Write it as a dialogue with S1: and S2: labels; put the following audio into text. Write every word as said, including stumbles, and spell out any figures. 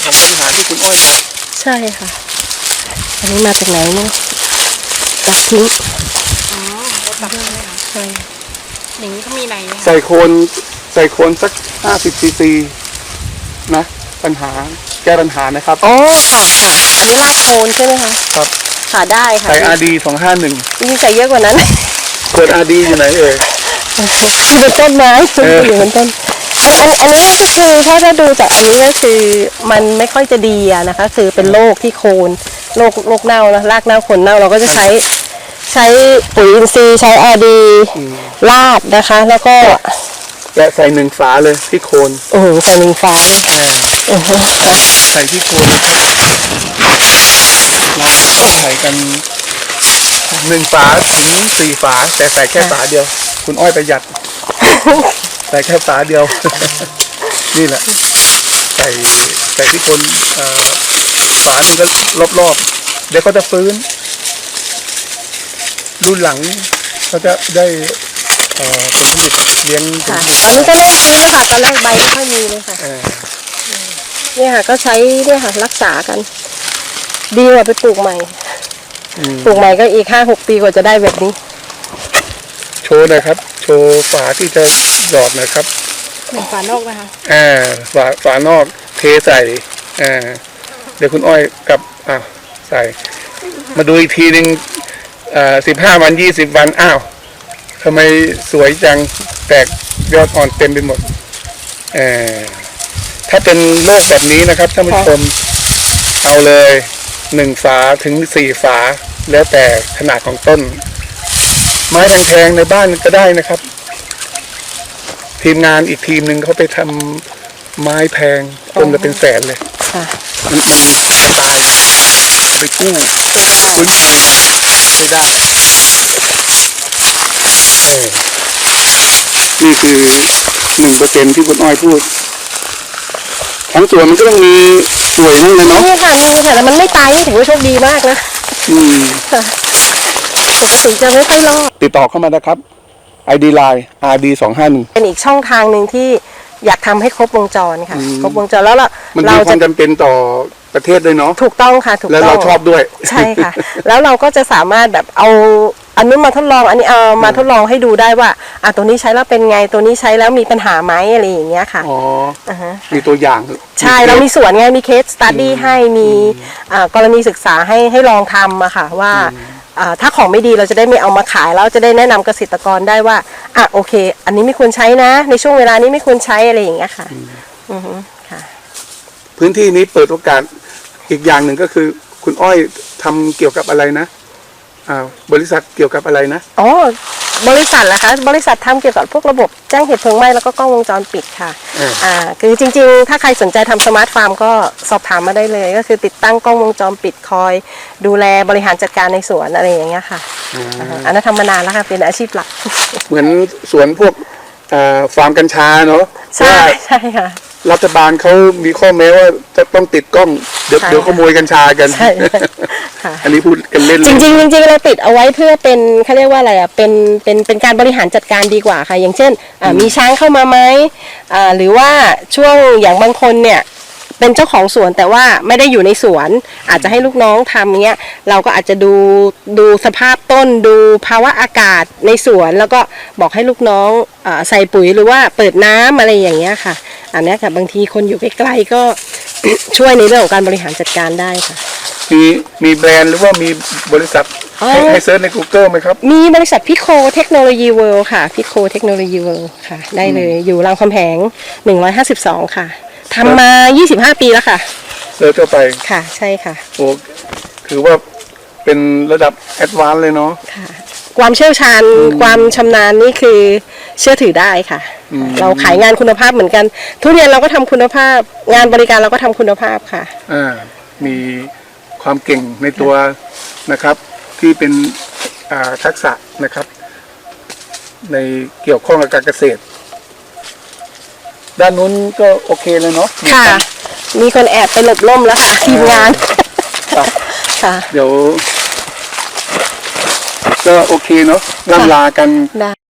S1: ของปัญหาที่คุณอ้อยบอก
S2: ใช่ค่ะอันนี้มาจากไหนเนี่ยตัดทิ้ง
S3: อ๋อแล้วตัดเลยค่ะ
S2: ใช่
S3: อย่างนี้เขามีใน
S1: ใส่โคนใส่โคนสักห้าสิบซีซีนะปัญหาแก้ปัญหานะครับ
S2: อ๋อค่ะค่ะอันนี้รากโคนใช่ไหมคะ
S1: ครับ
S2: ค่ะได้ค่ะ
S1: ใส่อาร์ดีสองห้าหนึ่ง
S2: นี่ใส่เยอะกว่านั้น
S1: เปิดอาร์ดีอยู่ไหนเอ่ย
S2: อยู่บนต้นไม้อยู่บนต้นอันอันนี้ก็คือถ้าจะดูจากอันนี้ก็คือมันไม่ค่อยจะดีอะนะคะคือเป็นโรคที่โคนโรคโรคเน่านะรากเน่าโคนเน่าเราก็จะใช้ใช้ปุ๋ยอินทรีย์ใช้อาร์ดีลาดนะคะแล้วก็
S1: และใส่หนึ่งฝาเลยที่โคน
S2: โอ้โหใส่หนึ่งฝาโอ้โห
S1: ใส่ที่โคนนะครับเราใส่กันหนึ่งฝาถึงสี่ฝาแต่ใส่แค่ฝาเดียวคุณอ้อยประหยัดใส่แค่ฝาเดียวนี่แหละใส่ใส่ที่โคนฝาหนึ่งก็รอบๆเดี๋ยวก็จะฟื้นรุ่นหลังเขาจะได้ผลผลิตเลี้ยง
S2: ค่ะตอนนี้ก็เริ่มฟื้นแล้วค่ะตอนแรกใบไม่ค่อยมีเลยค่ะเนี่ยค่ะก็ใช้เนี่ยค่ะรักษากันดีกว่าไปปลูกใหม่ปลูกใหม่ก็อีกห้าหกปีกว่าจะได้แบบนี้
S1: โชว์หน่อยครับโชว์ฝาที่จะหยอดหน่อยครับ
S3: ฝานอกนะคะ
S1: อ่าฝาฝานอกเทใส่อ่าเดี๋ยวคุณอ้อยกับอ่าใส่มาดูอีกทีหนึ่งอ่าสิบห้าวันยี่สิบวันอ้าวทำไมสวยจังแตกยอดอ่อนเต็มไปหมดเอ่อถ้าเป็นโรคแบบนี้นะครับท่านผู้ชมเอาเลยหนึ่งฝาถึงสี่ฝาแล้วแต่ขนาดของต้นไม้แพงๆในบ้านก็ได้นะครับทีมงานอีกทีมหนึ่งเขาไปทำไม้แพงต้นละเป็นแสนเลยมันมันตายไปกู้ฟื้นฟูไม่ได้นี่คือหนึ่งเปอร์เซ็นที่คุณอ้อยพูดทั้งสวนมันก็ต้องมีสวยนั่นเลยเนาะ
S2: นี่ค่ะมีค่ะแล้วมันไม่ตายนี่ถือว่าโชคดีมากนะอืมค่ะปกติจะไม่ค่อยรอด
S1: ติดต่อเข้ามานะครับ ไอ ดี ไลน์ อาร์ ดี สองห้าหนึ่ง
S2: เป็นอีกช่องทางหนึ่งที่อยากทำให้ครบวงจรค่ะครบวงจรแล้วเรา
S1: มันมีความจำเป็นต่อประเทศด้วยเนาะ
S2: ถูกต้องค่ะถูกต้อง
S1: แล้วเราชอบด้วย
S2: ใช่ค่ะแล้วเราก็จะสามารถแบบเอาอันนู้นมาทดลองอันนี้เอามาทดลองให้ดูได้ว่าอ่ะตัวนี้ใช้แล้วเป็นไงตัวนี้ใช้แล้วมีปัญหาไหมอะไรอย่างเงี้ยค่ะ
S1: อ๋อมีตัวอย่าง
S2: ใช่เรามีส่วนไงมีเคสสตัดดี้ให้มีกรณีศึกษาให้ให้ลองทำอะค่ะว่าถ้าของไม่ดีเราจะได้ไม่เอามาขายแล้วจะได้แนะนำเกษตรกรได้ว่าอ่ะโอเคอันนี้ไม่ควรใช้นะในช่วงเวลานี้ไม่ควรใช้อะไรอย่างเงี้ยค่ะอือฮึค่ะ
S1: พื้นที่นี้เปิดโอกาสอีกอย่างหนึ่งก็คือคุณอ้อยทำเกี่ยวกับอะไรนะอ่าบริษัทเกี่ยวกับอะไรนะ
S2: อ๋อบริษัทเหรอคะบริษัททำเกี่ยวกับพวกระบบแจ้งเหตุเพลิงไหม้แล้วก็กล้องวงจรปิดค่ะอ่าคือจริงๆถ้าใครสนใจทำสมาร์ทฟาร์มก็สอบถามมาได้เลยก็คือติดตั้งกล้องวงจรปิดคอยดูแลบริหารจัดการในสวนอะไรอย่างเงี้ยค่ะอันนั้นทำมานานแล้วค่ะเป็นอาชีพหลัก
S1: เหมือนสวนพวกฟาร์มกัญชาเนาะ
S2: ใช่ใช่ค่ะ
S1: รัฐบาลเขามีข้อแม้ว่าจะต้องติดกล้องเดี๋ยวเดี๋ยวขโมยกัญชากันใช่อันนี้พูดกันเล่น
S2: จริงจริงจริงเราติดเอาไว้เพื่อเป็นเขาเรียกว่าอะไรอ่ะเป็นเป็นเป็นการบริหารจัดการดีกว่าค่ะอย่างเช่นมีช้างเข้ามาไหมหรือว่าช่วงอย่างบางคนเนี่ยเป็นเจ้าของสวนแต่ว่าไม่ได้อยู่ในสวนอาจจะให้ลูกน้องทำเงี้ยเราก็อาจจะดูดูสภาพต้นดูภาวะอากาศในสวนแล้วก็บอกให้ลูกน้องใส่ปุ๋ยหรือว่าเปิดน้ำอะไรอย่างเงี้ยค่ะอันนี้ค่ะบางทีคนอยู่ใกล้ๆก็ช่วยในเรื่องของการบริหารจัดการได้ค่ะ
S1: มีมีแบรนด์หรือว่ามีบริษัทให้ให้เซิร์ชใน Google ไหมครับ
S2: มีบริษัทพิโคเทคโนโลยีเวิลด์ค่ะพิโคเทคโนโลยีเวิลด์ค่ะได้เลยอยู่รามคำแหงหนึ่งร้อยห้าสิบสองค่ะทำมายี่สิบห้าปีแล้วค่ะ
S1: เซิร์ชเข้าไป
S2: ค่ะใช่ค่ะ
S1: โอ้ถือว่าเป็นระดับแอดวานซ์เลยเนาะ
S2: ค่ะความเชี่ยวชาญความชำนาญนี่คือเชื่อถือได้ค่ะเราขายงานคุณภาพเหมือนกันทุเรียนเราก็ทำคุณภาพงานบริการเราก็ทำคุณภาพค่ะ
S1: อ่ามีความเก่งในตัวนะครับที่เป็นอ่าทักษะนะครับในเกี่ยวข้องกับการเกษตรด้านนู้นก็โอเคเลยเนาะ
S2: ค่ะมีคนแอบไปหลบร่มแล้วค่ะทีมงาน
S1: ค่ะเดี๋ยวก็โอเคเนาะล่ำลากัน